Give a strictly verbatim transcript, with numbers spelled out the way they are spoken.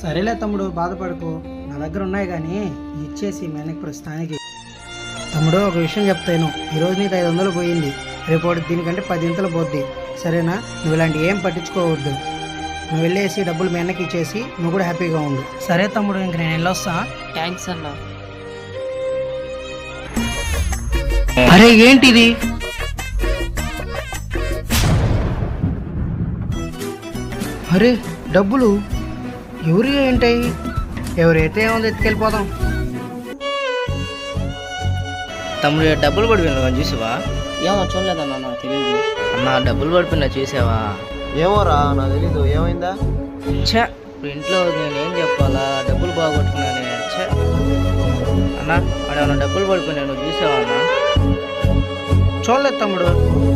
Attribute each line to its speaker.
Speaker 1: సరేలే తమ్ముడు, బాధపడుకో. నా దగ్గర ఉన్నాయి కానీ ఇచ్చేసి మేనకి ప్రస్తుతానికి. తమ్ముడు, ఒక విషయం చెప్తాను. ఈరోజు నీకు ఐదు వందలు పోయింది, రేపు దీనికంటే పదింతలు పోద్ది. సరేనా? నువ్వు ఇలాంటి ఏం పట్టించుకోవద్దు. నువ్వు వెళ్ళేసి డబ్బులు మీ అన్నకి ఇచ్చేసి నువ్వు కూడా హ్యాపీగా ఉండు. సరే తమ్ముడు, ఇంక నేను వెళ్ళొస్తా.
Speaker 2: థ్యాంక్స్ అన్న.
Speaker 1: అరే ఏంటిది? అరే డబ్బులు ఎవరి ఏంటాయి? ఎవరైతే ఏముంది, ఎత్తుకెళ్ళిపోదాం.
Speaker 3: తమ్ముడు డబ్బులు పడిపోయినా చూసావా?
Speaker 2: ఏమో చూడలేదన్నా, నాకు తెలియదు.
Speaker 3: అన్న డబ్బులు పడిపోయినా చూసావా?
Speaker 4: ఏమోరా, నాకు తెలీదు. ఏమైందా?
Speaker 3: ఛే, ఇప్పుడు ఇంట్లో నేనేం చెప్పాలా? డబ్బులు బాగొట్టుకున్నానే. ఛే అన్న, అడేమన్నా డబ్బులు పడిపోయినా నువ్వు చూసావా అన్న?
Speaker 1: చూడలేదు తమ్ముడు.